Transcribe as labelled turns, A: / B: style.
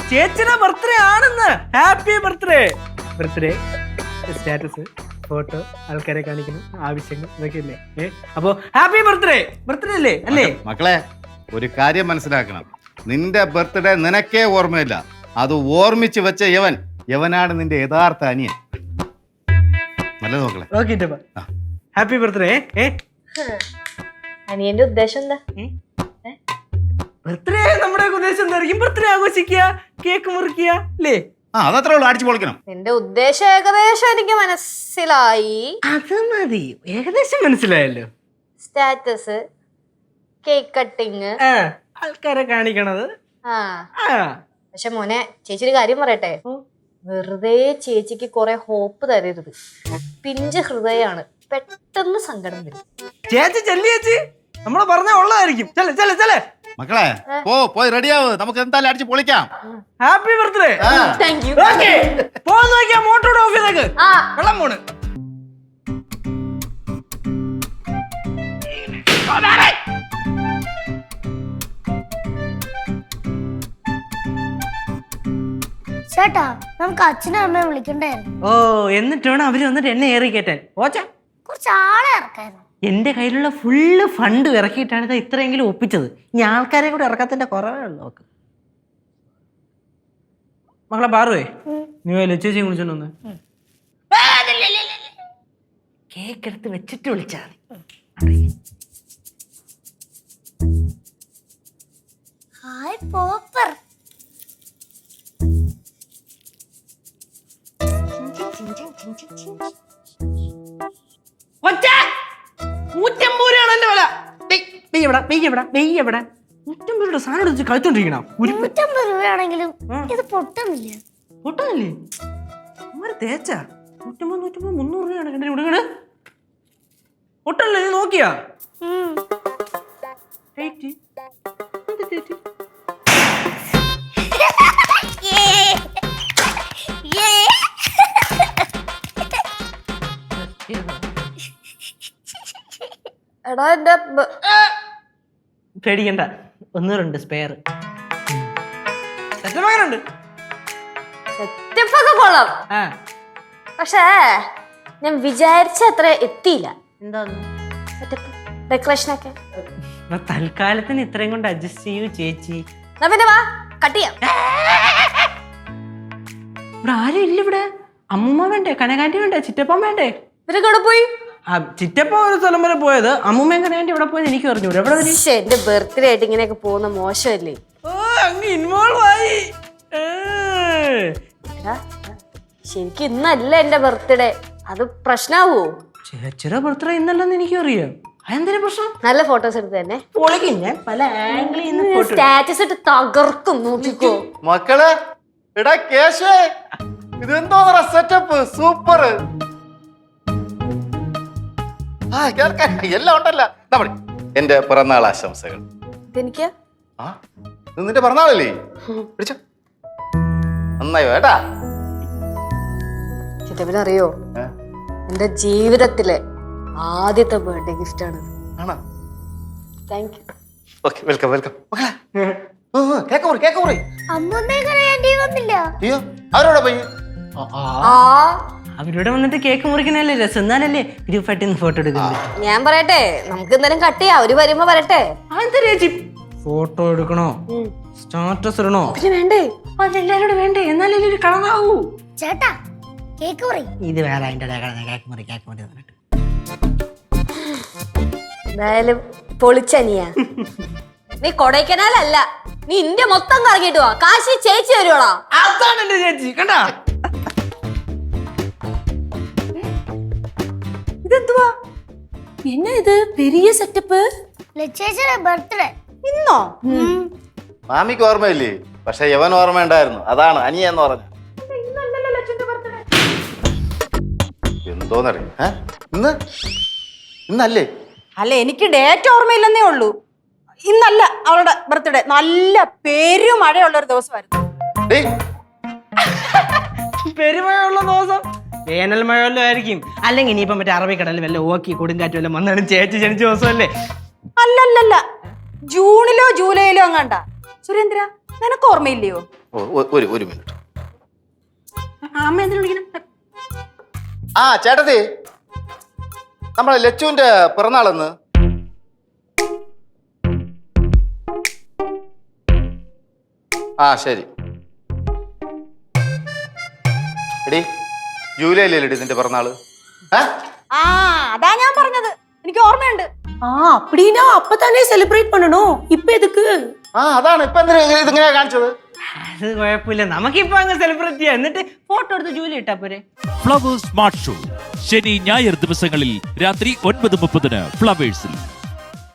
A: ചേച്ചിയുടെ ബർത്ത്ഡേ ആണെന്ന്. Happy birthday. Birthday status, photo, ആൾക്കാരെ കാണിക്കണം, ആവശ്യങ്ങൾ ഇതൊക്കെ അല്ലേ. അപ്പൊ ഹാപ്പി ബർത്ത്ഡേ. ബർത്ത്ഡേ അല്ലേ? അല്ലേ
B: മക്കളെ, ഒരു കാര്യം മനസ്സിലാക്കണം. നിന്റെ ബർത്ത്ഡേ നിനക്കേ ഓർമ്മയില്ല. അത് ഓർമ്മിച്ച് വെച്ച യവനാണ് നിന്റെ യഥാർത്ഥ അനിയൻ. നല്ലത് മക്കളെ.
A: Okay, happy birthday.
C: അനിയന്റെ ഉദ്ദേശം എന്താ?
A: ബർത്ത്ഡേ നമ്മുടെ ഉദ്ദേശം എന്തായിരിക്കും? ബർത്ത്ഡേ ആഘോഷിക്കുക, കേക്ക് മുറിക്കുക അല്ലേ?
B: അതത്രേ ഉള്ളൂ, അടിച്ചു പൊളിക്കണം.
C: നിന്റെ ഉദ്ദേശം ഏകദേശം എനിക്ക് മനസ്സിലായി.
A: അത് മതി, ഏകദേശം മനസ്സിലായല്ലോ.
C: സ്റ്റാറ്റസ്, കേക്ക് കട്ടിങ്,
A: ആൾക്കാരെ കാണിക്കണത്.
C: പക്ഷെ മോനെ, ചേച്ചി ഒരു കാര്യം പറയട്ടെ. വെറുതെ ചേച്ചിക്ക് കുറെ ഹോപ്പ് തരരുത്. പിഞ്ച് ഹൃദയാണ്, പെട്ടെന്ന് സങ്കടം വരും.
A: ചേച്ചി ചെല്ലി, ചേച്ചി നമ്മള് പറഞ്ഞ ഉള്ളതായിരിക്കും.
B: മക്കളെ പോയി റെഡിയാവ്, നമുക്ക് എന്തായാലും അടിച്ച് പൊളിക്കാം.
A: Happy birthday.
C: Thank you.
A: പോന്ന് നോക്കിയാ മോട്ടോയുടെ ഓഫീസിലേക്ക് വെള്ളം പോണ്.
D: ചേട്ടാ, നമുക്ക് അച്ഛനും അമ്മയെ വിളിക്കണ്ടായിരുന്നു.
A: ഓ, എന്നിട്ട് വേണം അവര് വന്നിട്ട് എന്നെ ഏറി കയറ്റാൻ. ഓച്ചാ,
D: കുറച്ച് ആളെ ഇറക്കായിരുന്നു.
A: എന്റെ കയ്യിലുള്ള ഫുള്ള് ഫണ്ട് ഇറക്കിയിട്ടാണ് ഇത് ഇത്രയെങ്കിലും ഒപ്പിച്ചത്. ഇനി ആൾക്കാരെ കൂടെ ഇറക്കാത്തതിന്റെ കുറവേ ഉള്ളു. നോക്ക് മക്കളെ, പാറുവേ നീ ലച്ചേച്ചിയെ വിളിച്ചോണ്ട് വന്ന് കേക്ക് എടുത്ത് വെച്ചിട്ട് വിളിച്ചാ മതി.
D: ഹായ് പോപ്പർ.
A: ഒച്ച 150 രൂപയാണ് എന്റെ വില. 150 രൂപ സാധനം എടുത്ത് കളിച്ചോണ്ടിരിക്കണം.
D: 150 രൂപയാണെങ്കിലും ഇത് പൊട്ടുന്നില്ല.
A: പൊട്ടുന്നില്ലേ? തേച്ചാ 150, 300 രൂപയാണ് എന്റെ ഇവിടെ. പൊട്ടല്ലേ? നീ നോക്കിയാ?
C: എടാ, എന്റെ
A: പേടിക്കണ്ട, 1-2 സ്പെയർ സെറ്റപ്പാകാനുണ്ട്.
C: സെറ്റപ്പൊക്കെ കൊള്ളാം, പക്ഷേ ഞാൻ വിചാരിച്ച അത്ര എത്തിയില്ല.
A: എന്താ
C: സെറ്റപ്പ്, ഡെക്കറേഷനൊക്കെ
A: തൽക്കാലത്തിന് ഇത്രയും കൊണ്ട് അഡ്ജസ്റ്റ് ചെയ്യൂ ചേച്ചി.
C: എന്നാ പിന്നെ വാ, കട്ട് ചെയ്യാം.
A: ഇവിടെ ആരും ഇല്ല. ഇവിടെ അമ്മൂമ്മ വേണ്ടേ, കനകാന്റി വേണ്ടേ, ചിറ്റപ്പൻ വേണ്ടേ?
C: ഇവരൊക്കെ ഇവിടെ പോയി.
A: ചിറ്റപ്പ ഒരു സ്ഥലം വരെ പോയത്, അമ്മൂമ്മയും കനകാന്റി ഇവിടെ പോയത് എനിക്ക് പറഞ്ഞു.
C: എന്റെ ബർത്ത്ഡേ ആയിട്ട് ഇങ്ങനെയൊക്കെ പോകുന്ന മോശമല്ലേ?
A: ഇൻവോൾവ് ആയി.
C: ശരിക്കും ഇന്നല്ല എന്റെ ബർത്ത്ഡേ, അത് പ്രശ്നാവോ?
A: ചേച്ചിയുടെ ബർത്ത്ഡേ ഇന്നല്ലെന്ന് എനിക്കും അറിയാം. അതെന്തൊരു പ്രശ്നം?
C: നല്ല ഫോട്ടോസ് എടുത്ത് തന്നെ
A: ഞാൻ പല ആംഗിളിൽ
C: സ്റ്റാറ്റസ് ഇട്ട് തകർക്കും, നോക്കിക്കോ.
B: മക്കളെ, എടാ കേശേ, ഇതെന്തോ സെറ്റപ്പ്, സൂപ്പർ. എല്ലാം ഉണ്ടല്ലോ. എന്റെ പിറന്നാൾ ആശംസകൾ.
C: ഇതെനിക്ക്
B: നിന്റെ പിറന്നാളല്ലേ? പിടിച്ചോ, നന്നായോ ഏട്ടാ.
C: ചിറ്റപ്പനറിയോ, എന്റെ ജീവിതത്തിലെ ആദ്യത്തെ ബർത്ത്ഡേ ഗിഫ്റ്റ് ആണ്. Thank you.
B: Okay, welcome welcome. Cake മുറി, കേക്ക് മുറി.
D: അമ്മൂമ്മയും കനകാന്റി വന്നില്ല.
B: അയ്യോ, അവരോടെ പോയി.
A: അവരോട് വന്നിട്ട് കേക്ക് മുറിക്കണല്ലേ രസം. എന്നാലല്ലേ ഗ്രൂപ്പായിട്ട് ഫോട്ടോ എടുക്കുന്നത്.
C: ഞാൻ പറയട്ടെ, നമുക്ക് എന്തായാലും കട്ട് ചെയ്യാം. അവര് വരുമ്പോ വരട്ടെ.
A: ചേച്ചി ഫോട്ടോ എടുക്കണോ, സ്റ്റാറ്റസ് ഇടണോ?
C: പിന്നെ വേണ്ടേ?
A: അതെല്ലാരോടും വേണ്ടേ? എന്നാലേ ഒരു കളറാവൂ.
D: ചേട്ടാ, കേക്ക് മുറി.
A: ഇത് വേറെ അതിന്റെ കേക്ക് മുറി, കേക്ക് മുറി.
C: എന്തായാലും പൊളിച്ചനിയ. നീ കൊടൈക്കനാലല്ല, നീ ഇന്ത്യ മൊത്തം കറങ്ങിട്ട് വാ. കാശി ചേച്ചി വരുവാടാ.
A: അതാണ് എന്റെ ചേച്ചി. കണ്ടാ,
C: ഇതെന്തുവാ? എന്നാ ഇത് പെരിയ സെറ്റപ്പ്?
D: ലച്ചേച്ചിയുടെ ബർത്ത്ഡേ
C: ഇന്നോ?
B: മാമിക്ക് ഓർമ്മയില്ലേ? പക്ഷെ യവൻ ഓർമ്മ ഉണ്ടായിരുന്നു. അതാണ് അനിയ എന്ന് പറഞ്ഞു. എന്തോന്നറിയ ഇന്നല്ലേ?
E: അല്ല, എനിക്ക് ഡേറ്റ് ഓർമ്മയില്ലെന്നേ ഉള്ളൂ. ഇന്നല്ല അവളുടെ ബർത്ത്ഡേ. നല്ല പെരുമഴയുള്ള ഒരു ദിവസമായിരുന്നു.
A: പെരുമഴയുള്ള ദിവസം വേനൽ മഴവല്ലോ ആയിരിക്കും. അല്ലെങ്കിൽ ഇനിയിപ്പം മറ്റേ അറബിക്കടലിൽ വല്ല ഓക്കി കൊടുങ്കാറ്റ് വല്ല വന്നാണ് ചേച്ചി ജനിച്ച ദിവസമല്ലേ?
E: അല്ലല്ലല്ല, ജൂണിലോ ജൂലൈയിലോ അങ്ങാണ്ട. സുരേന്ദ്ര, നിനക്ക് ഓർമ്മയില്ലയോ?
B: ഒരു മിനിറ്റ്.
E: അമ്മ എന്തിനു വിളിക്കണം?
B: ആ ചേട്ടത്തി, നമ്മളെ ലച്ചുവിന്റെ പിറന്നാളെന്ന്? ആ ശരി. എടി ജൂലൈയിലല്ലേ നിന്റെ പിറന്നാള്?
E: ആ അതാ ഞാൻ പറഞ്ഞത്, എനിക്ക് ഓർമ്മയുണ്ട്.
F: அப்படினா அப்பதானே செலிப்ரேட் பண்ணனும், இப்ப எதுக்கு?
B: ആ അതാണ് ഇപ്പൊ എന്തിനാ ഇതിങ്ങനെ കാണിച്ചത്?
A: അത് കുഴപ്പമില്ല, നമുക്കിപ്പോ അങ്ങ് സെലിബ്രേറ്റ് ചെയ്യാം. എന്നിട്ട് ഫോട്ടോ എടുത്ത് ജൂലി ഇട്ടാ പോരെ.
G: ഫ്ലവേഴ്സ് സ്മാർട്ട് ഷോ ശനി ഞായർ ദിവസങ്ങളിൽ രാത്രി 9:30 ഫ്ലവേഴ്സിൽ.